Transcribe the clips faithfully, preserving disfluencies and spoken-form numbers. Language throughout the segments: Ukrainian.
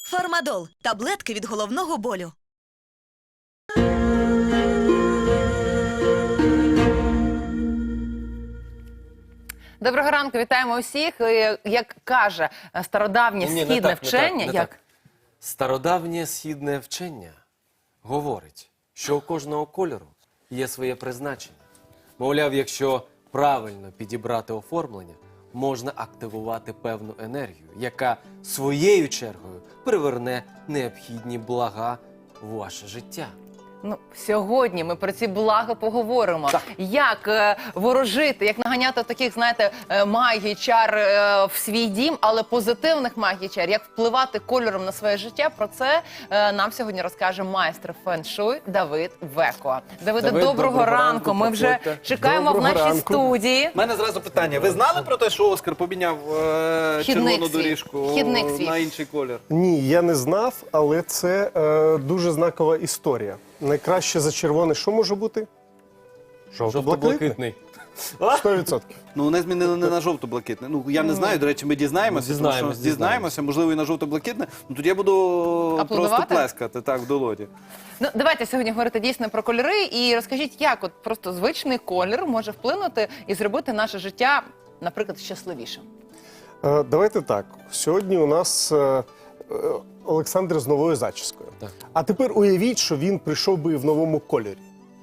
Фармадол – таблетки від головного болю. Доброго ранку, вітаємо усіх. Як каже стародавнє Ні, не східне так, не вчення, так, не як... так. Стародавнє східне вчення говорить, що у кожного кольору є своє призначення. Мовляв, якщо правильно підібрати оформлення, можна активувати певну енергію, яка своєю чергою приверне необхідні блага в ваше життя. Ну, сьогодні ми про ці блага поговоримо. Так. Як е, ворожити, як наганяти таких, знаєте, е, магій, чар е, в свій дім, але позитивних магій, чар, як впливати кольором на своє життя. Про це е, нам сьогодні розкаже майстер фен-шуй Давид Веко. Давиде, Давид, доброго, доброго ранку. ранку, Ми вже проходьте. чекаємо Доброго в нашій ранку. студії. У мене зразу питання. Ви знали про те, що Оскар поміняв е, Хідник червону свій. доріжку Хідник свій. на інший колір? Ні, я не знав, але це е, дуже знакова історія. Найкраще за червоне що може бути? Жовто-блакитний. Жовто-блакитний. сто відсотків. Ну, вони змінили не на жовто-блакитне. Ну, я не знаю, до речі, ми дізнаємося. Ну, тому що дізнаємось, дізнаємося, можливо, і на жовто-блакитне. Ну, тоді я буду Аплодувати? просто плескати, так, в долоні. Ну, давайте сьогодні говорити дійсно про кольори. І розкажіть, як от просто звичний колір може вплинути і зробити наше життя, наприклад, щасливішим. Е, давайте так. Сьогодні у нас е, е, Олександр з новою зачіскою. Так. А тепер уявіть, що він прийшов би в новому кольорі.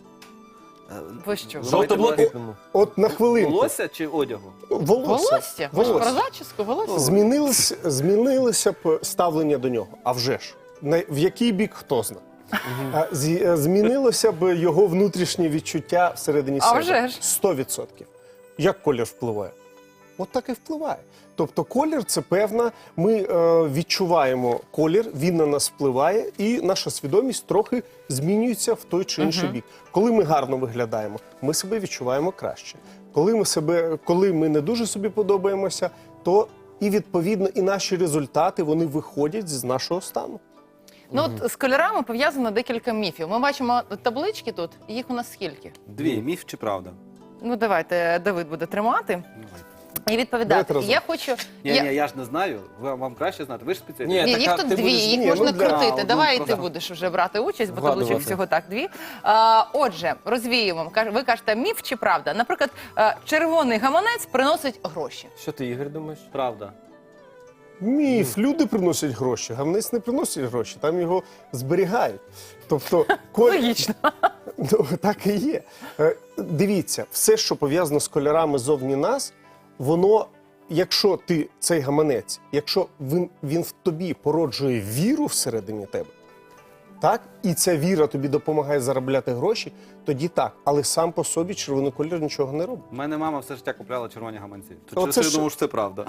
Ви що? Жовто-блакитному. От на хвилинку. Волосся чи одягу? Волосся. Волосся? Ви ж про Волосся. зачіску? Волосся? Змінилось, змінилося б ставлення до нього. А вже ж. На- В який бік, хто знає. А, зі- е, Змінилося б його внутрішнє відчуття всередині А себе. вже ж. сто відсотків. Як колір впливає? От так і впливає. Тобто колір – це певна, ми е, відчуваємо колір, він на нас впливає, і наша свідомість трохи змінюється в той чи інший бік. Коли ми гарно виглядаємо, ми себе відчуваємо краще. Коли ми, себе, коли ми не дуже собі подобаємося, то і відповідно і наші результати, вони виходять з нашого стану. Ну от з кольорами пов'язано декілька міфів. Ми бачимо таблички тут, і їх у нас скільки? Дві, міф чи правда? Ну давайте Давид буде тримати і відповідати. Давайте разом. Я хочу... Ні, я... ні, я ж не знаю. Ви, вам краще знати. Ви ж спеціаліст. Ні, Ні, так, їх а тут ти дві, будеш- їх Ні, можна ну, для- крутити. А, Давай і ну, ти просто. будеш вже брати участь, бо Вгадувати. табличок всього так дві. А, отже, розвіємо. Каж- Ви кажете, міф чи правда? Наприклад, е, червоний гаманець приносить гроші. Що ти, Ігор, думаєш? Правда. Міф, люди приносять гроші, гаманець не приносить гроші, там його зберігають. Тобто, коль... Логічно. Ну, так і є. Е, Дивіться, все, що пов'язано з кольорами зовні нас, воно, якщо ти цей гаманець, якщо він, він в тобі породжує віру всередині тебе, так, і ця віра тобі допомагає заробляти гроші, тоді так. Але сам по собі червоний колір нічого не робить. У мене мама все життя купляла червоні гаманці. Оце Тут я ж- думав, що це правда.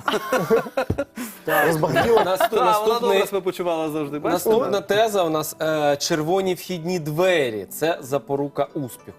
Розбагатіло. Наступ- Так, вона наступний- добре себе почувала завжди. Бачите? Наступна теза у нас е, червоні вхідні двері. Це запорука успіху.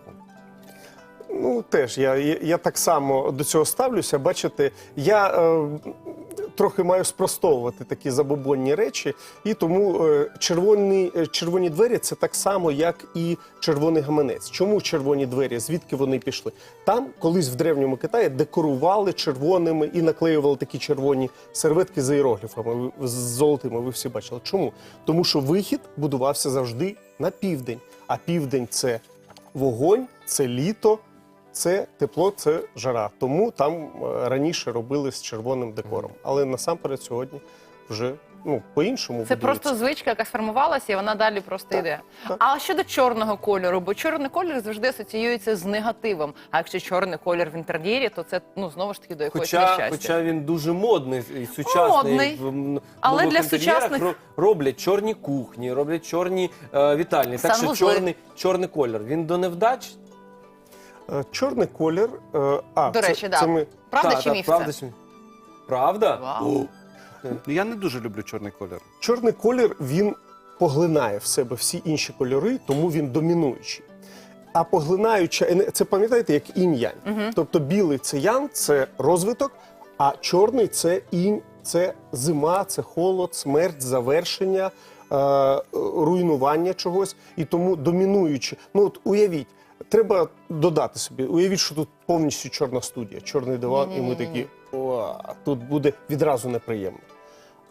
Ну, теж, я, я, я так само до цього ставлюся. Бачите, я е, трохи маю спростовувати такі забобонні речі, і тому е, червоні, е, червоні двері – це так само, як і червоний гаманець. Чому червоні двері? Звідки вони пішли? Там колись в Древньому Китаї декорували червоними і наклеювали такі червоні серветки з іерогліфами, з золотими, ви всі бачили. Чому? Тому що вихід будувався завжди на південь, а південь – це вогонь, це літо, це тепло, це жара. Тому там е, раніше робили з червоним декором. Але насамперед сьогодні вже ну, по-іншому Це будується. просто звичка, яка сформувалася, і вона далі просто йде. так. А щодо чорного кольору, бо чорний колір завжди асоціюється з негативом. А якщо чорний колір в інтер'єрі, то це ну знову ж таки до якогось Хоча, нещастя. хоча він дуже модний і сучасний. Модний. В м, Але нових для інтер'єрах сучасних- ро- роблять чорні кухні, роблять чорні е, вітальні. Так що Санвузли. чорний, чорний колір. Він до невдач? Е, Чорний колір. е, А, До це, речі, да. це ми... Правда Та, чи та, міф правда, це? чи- Правда? Вау. Ну, я не дуже люблю чорний колір. Чорний колір, він поглинає в себе всі інші кольори, тому він домінуючий. А поглинаюча, ене- це пам'ятаєте, як інь-янь. Тобто білий – це ян, це розвиток, а чорний – це інь, це зима, це холод, смерть, завершення, е, руйнування чогось. І тому домінуючи. Ну от уявіть, треба додати собі, уявіть, що тут повністю чорна студія, чорний диван, і ми такі, о, тут буде відразу неприємно. А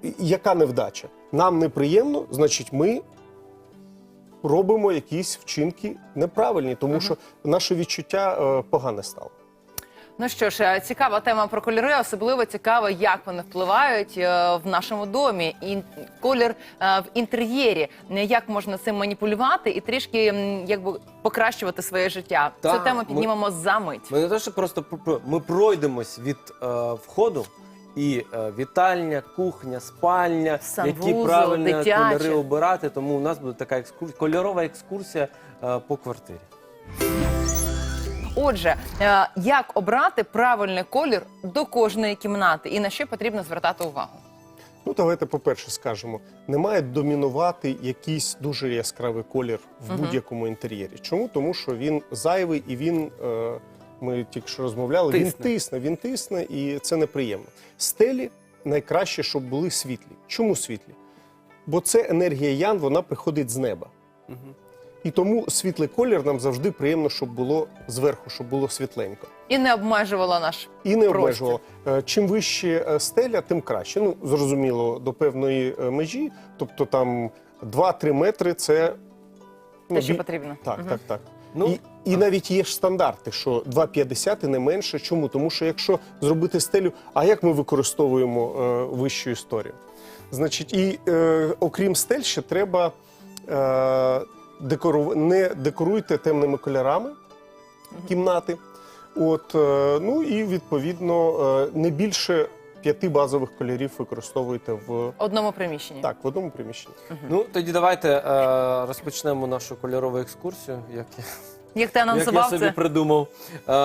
яка невдача? Нам неприємно, значить, ми робимо якісь вчинки неправильні, тому що наше відчуття е, погане стало. Ну що ж, е, цікава тема про кольори, особливо цікаво, як вони впливають е, в нашому домі. І колір е, в інтер'єрі, е, як можна цим маніпулювати і трішки м, якби покращувати своє життя. Цю Так, тему ми- піднімемо за мить. Ми не те, що просто про- про- ми пройдемось від е, входу, і е, вітальня, кухня, спальня, Санвузол, які правильні дитяче. кольори обирати. Тому у нас буде така екскурсія, кольорова екскурсія е, по квартирі. Отже, е, як обрати правильний колір до кожної кімнати і на що потрібно звертати увагу? Ну, давайте, по-перше, скажемо, не має домінувати якийсь дуже яскравий колір в будь-якому інтер'єрі. Чому? Тому що він зайвий і він, е, ми тільки що розмовляли, Тисне. він тисне, він тисне, і це неприємно. Стелі найкраще, щоб були світлі. Чому світлі? Бо це енергія ян, вона приходить з неба. І тому світлий колір нам завжди приємно, щоб було зверху, щоб було світленько. І не обмежувала наш І не простір. обмежувало. Е, Чим вище е, стеля, тим краще. Ну, зрозуміло, до певної е, межі, тобто там два-три метри – це... ну, Те, що бі- потрібно. Так, так, так. Ну, і, і навіть є ж стандарти, що два п'ятдесят і не менше. Чому? Тому що якщо зробити стелю, а як ми використовуємо е, вищу історію? Значить, і е, окрім стель ще треба е, декору... не декоруйте темними кольорами кімнати. От, е, ну і відповідно е, не більше п'яти базових кольорів використовуйте в, В одному приміщенні. так, в одному приміщенні. ну тоді давайте е, розпочнемо нашу кольорову екскурсію, як я, Як ти як я анонсував собі це? придумав. Е,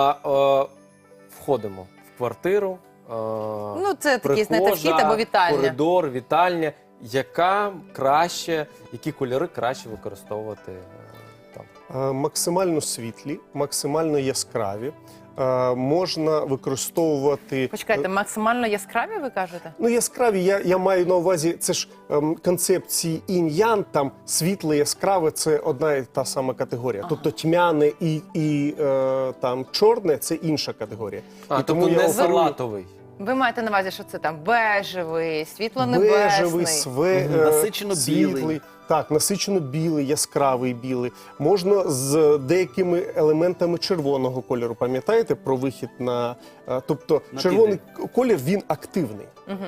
е, входимо в квартиру. Е, Ну, це такий, знаєте, прихожа, вхід або вітальня. коридор, вітальня. Яка краще, які кольори краще використовувати е, там? Е, Максимально світлі, максимально яскраві. Е, Можна використовувати... Почекайте, максимально яскраві, ви кажете? Ну, яскраві, я, я маю на увазі, це ж ем, концепції інь-ян, там світле, яскраве – це одна і та сама категорія. Тобто тьмяне і, і е, там чорне – це інша категорія. А, І тобто не оперую салатовий. Ви маєте на увазі, що це там бежевий, світло-небесний. бежевий, све, Мгм. е, Насичено-білий. світлий. Так, насичено білий, яскравий білий. Можна з деякими елементами червоного кольору. Пам'ятаєте про вихід на... е, Тобто На червоний колір, він активний.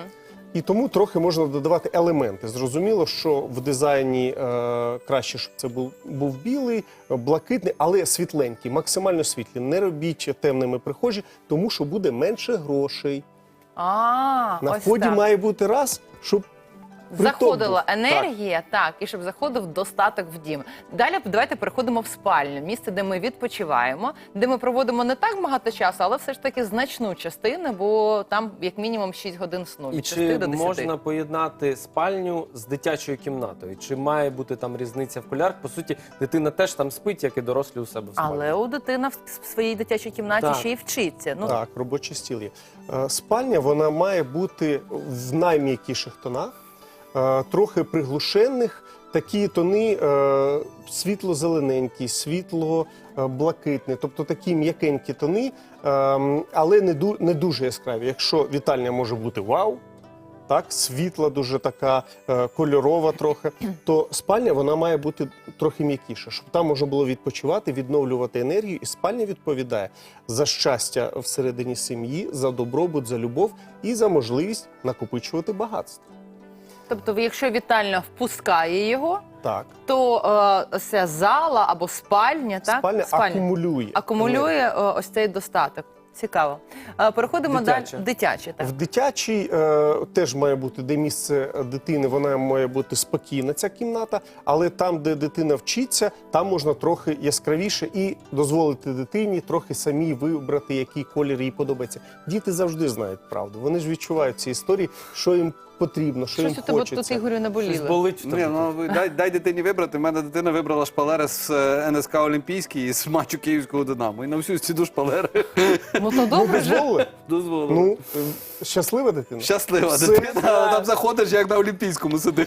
І тому трохи можна додавати елементи. Зрозуміло, що в дизайні е, краще, щоб це був, був білий, блакитний, але світленький, максимально світлі. Не робіть темними прихожі, тому що буде менше грошей. А, На ось вході так. має бути раз, щоб приток Заходила був. енергія, так. і щоб заходив достаток в дім. Далі давайте переходимо в спальню, місце, де ми відпочиваємо, де ми проводимо не так багато часу, але все ж таки значну частину, бо там як мінімум шість годин сну, І від шести чи до десяти. можна поєднати спальню з дитячою кімнатою? Чи має бути там різниця в кольорах? По суті, дитина теж там спить, як і дорослі у себе в спальні. Але у дитина в в своїй дитячій кімнаті Так. ще й вчиться. Ну, Так, робочий стіл є. Е, Спальня, вона має бути в найм'якіших тонах, е, трохи приглушених. Такі тони е, світло-зелененькі, світло-блакитні, тобто такі м'якенькі тони, е, але не, ду, не дуже яскраві. Якщо вітальня може бути вау, так, світла дуже така е, кольорова трохи, то спальня вона має бути трохи м'якіша, щоб там можна було відпочивати, відновлювати енергію, і спальня відповідає за щастя всередині сім'ї, за добробут, за любов і за можливість накопичувати багатство. тобто, якщо вітальня впускає його, Так, то е, ця зала або спальня, так? спальня, акумулює. акумулює е, ось цей достаток. Цікаво. Е, Переходимо Дитяче. далі. Дитяче, так. В дитячій е, теж має бути, де місце дитини, вона має бути спокійна, ця кімната, але там, де дитина вчиться, там можна трохи яскравіше і дозволити дитині трохи самій вибрати, який колір їй подобається. Діти завжди знають правду, вони ж відчувають ці історії, що їм потрібно, що Щось їм у тебе хочеться. тут, Ігорю, не Щось боліло. болить в тобі. Ні, ну ви дай, дай дитині вибрати. У мене дитина вибрала шпалери з е, ен ес ка Олімпійський з матчу Київського Динамо. І на всю стіну шпалери Ну то добре вже. Дозволили? дозволили. Ну, е, щаслива дитина? Щаслива Все. дитина, але там заходиш, як на Олімпійському сидиш.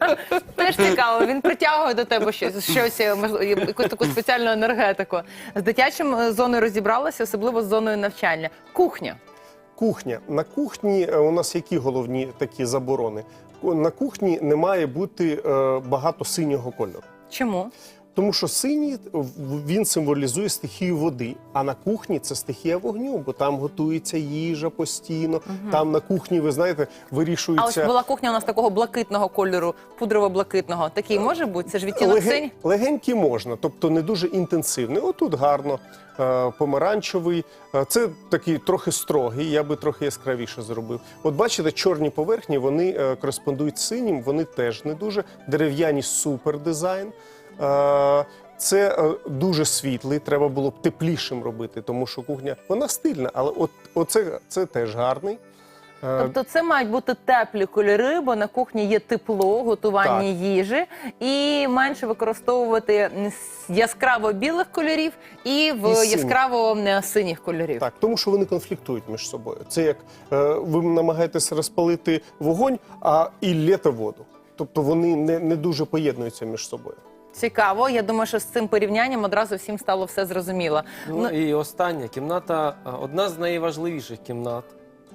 Теж цікаво, він притягує до тебе щось, щось е, можливо, якусь таку спеціальну енергетику. З дитячим е, зоною розібралася, особливо з зоною навчання. Кухня. Кухня. На кухні е, у нас які головні такі заборони? Ку- На кухні не має бути е, багато синього кольору. Чому? Тому що синій в- він символізує стихію води, а на кухні це стихія вогню, бо там готується їжа постійно. Там на кухні, ви знаєте, А ось вирішується була кухня у нас такого блакитного кольору, пудрово-блакитного. Такий може бути? Це ж відтінок Леген- синь? легенький можна, тобто не дуже інтенсивний. Отут гарно, е, помаранчевий. Е, Це такий трохи строгий, я би трохи яскравіше зробив. От бачите, чорні поверхні, вони е, кореспондують з синім, вони теж не дуже. Дерев'яні супер дизайн. Е, Це е, дуже світлий, треба було б теплішим робити, тому що кухня, вона стильна, але от, оце, це теж гарний. Е, Тобто це мають бути теплі кольори, бо на кухні є тепло, готування Так. їжі, і менше використовувати м, с- яскраво білих кольорів і в І синіх. яскраво м, синіх кольорів. Так, тому що вони конфліктують між собою. Це як е, ви намагаєтесь розпалити вогонь, а і лєте воду. Тобто вони не, не дуже поєднуються між собою. Цікаво. Я думаю, що з цим порівнянням одразу всім стало все зрозуміло. Ну, і остання кімната, а, одна з найважливіших кімнат,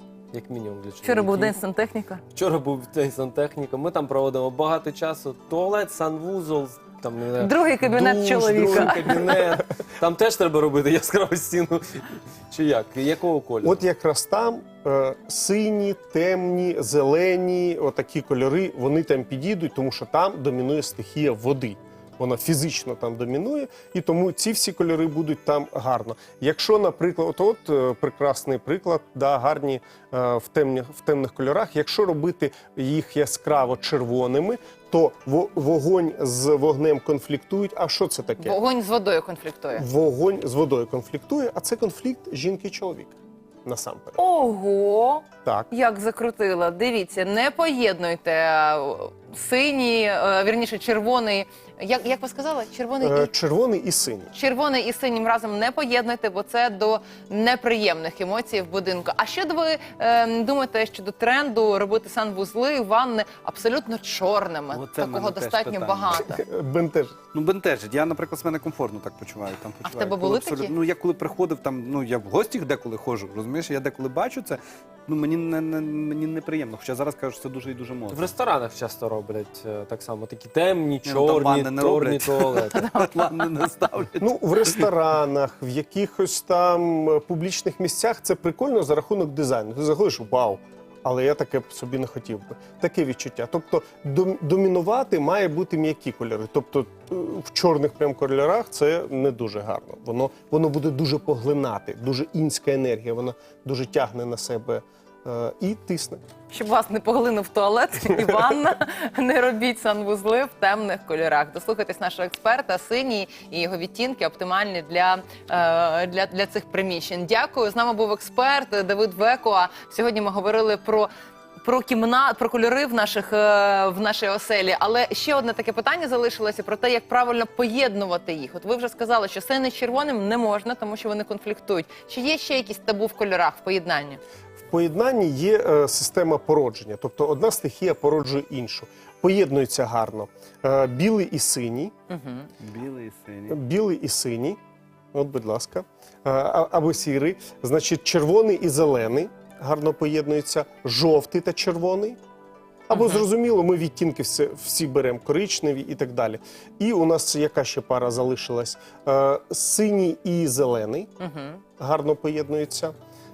як мінімум для чоловіків. Вчора був день сантехніка. Вчора був день сантехніка. Ми там проводимо багато часу. Туалет, санвузол, там не знаю, Другий кабінет душ, чоловіка. другий кабінет. Там теж треба робити яскраву стіну. Чи як? Якого кольору? От якраз там е, сині, темні, зелені, отакі кольори, вони там підійдуть, тому що там домінує стихія води. Вона фізично там домінує, і тому ці всі кольори будуть там гарно. Якщо, наприклад, от, от е, прекрасний приклад, да, гарні е, в, темні, в темних кольорах, якщо робити їх яскраво червоними, то во- вогонь з вогнем конфліктують. А що це таке? Вогонь з водою конфліктує. Вогонь з водою конфліктує, а це конфлікт жінки і чоловіка. Насамперед. Ого! Так. Як закрутила. Дивіться, не поєднуйте е, синій, е, вірніше, червоний. Як, як ви сказали? Червоний Е, і Червоний і синій. червоний і синім разом не поєднуйте, бо це до неприємних емоцій в будинку. А що ви е, думаєте щодо тренду робити санвузли, ванни абсолютно чорними? Оце в Такого мене теж достатньо питання. багато. Бентежить. Ну, бентежить. Я, наприклад, себе некомфортно так почуваю. Там А в почуваю. тебе Коли були абсолютно- такі? Ну, я коли приходив, там, ну, я в гості деколи ходжу, розумієш, я деколи бачу це, ну, мені, не, не, мені неприємно. Хоча зараз кажу, що це дуже і дуже В модно. ресторанах часто роблять е, так само такі темні, Ні, ну, там чорні, ванни не чорні роблять. туалети. Ванни не ставлять. Ну, в ресторанах, в якихось там е, публічних місцях це прикольно за рахунок дизайну. Ти заходиш, вау, але я таке б собі не хотів би. Таке відчуття. Тобто дом- домінувати має бути м'які кольори. Тобто е, в чорних прям кольорах це не дуже гарно. Воно, воно буде дуже поглинати, дуже інська енергія, вона дуже тягне на себе е, і тисне. Щоб вас не поглинув туалет і ванна, не робіть санвузли в темних кольорах. Дослухайтесь нашого експерта, синій і його відтінки оптимальні для, е, для, для цих приміщень. Дякую. З нами був експерт Давид Векуа. Сьогодні ми говорили про Про кімнат, про кольори в наших е, в нашій оселі. Але ще одне таке питання залишилося про те, як правильно поєднувати їх. От ви вже сказали, що синий з червоним не можна, тому що вони конфліктують. Чи є ще якісь табу в кольорах в поєднанні? В поєднанні є е, система породження, тобто одна стихія породжує іншу. Поєднуються гарно е, білий і синій, Білий і синій. білий і синій, от, будь ласка, е, а- або сірий, значить, червоний і зелений гарно поєднуються, жовтий та червоний. Або, зрозуміло, ми відтінки всі, всі беремо, коричневі і так далі. І у нас яка ще пара залишилась? Е, синій і зелений гарно поєднуються.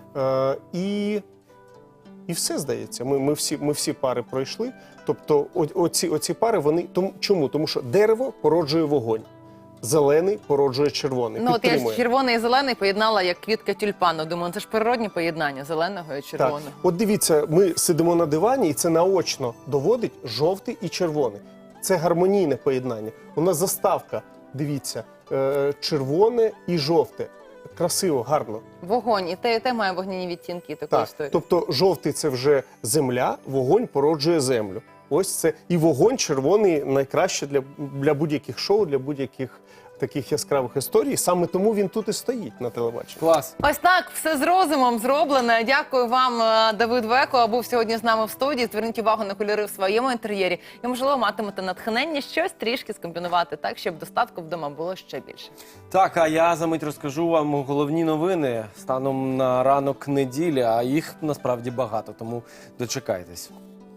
Е, і, і все, здається. Ми, ми, всі, ми всі пари пройшли. Тобто о, оці, оці пари, вони... Тому, чому? Тому що дерево породжує вогонь. Зелений породжує червоний. Ну, от я ж Підтримує. червоний і зелений поєднала як квітка тюльпану. Думаю, це ж природні поєднання зеленого і Так, червоного. от дивіться, ми сидимо на дивані, і це наочно доводить жовтий і червоний. Це гармонійне поєднання. У нас заставка, дивіться, е, червоне і жовте. Красиво, гарно. Вогонь. І те, і те має вогняні відтінки і таку Так, історію. тобто жовтий це вже земля, вогонь породжує землю. Ось це і вогонь червоний найкраще для, для будь-яких шоу, для будь-яких таких яскравих історій. Саме тому він тут і стоїть на телебаченні. Клас. Ось так, все з розумом зроблено. Дякую вам, е, Давид Веко, був сьогодні з нами в студії. Зверніть увагу на кольори в своєму інтер'єрі. І, можливо, матимете натхнення щось трішки скомбінувати так, щоб достатку вдома було ще більше. Так, а я за мить розкажу вам головні новини станом на ранок неділі, а їх насправді багато, тому дочекайтесь.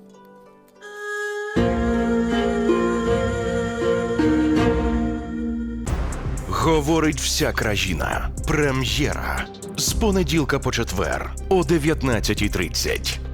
Говорить вся країна. Прем'єра. З понеділка по четвер о дев'ятнадцятій тридцять.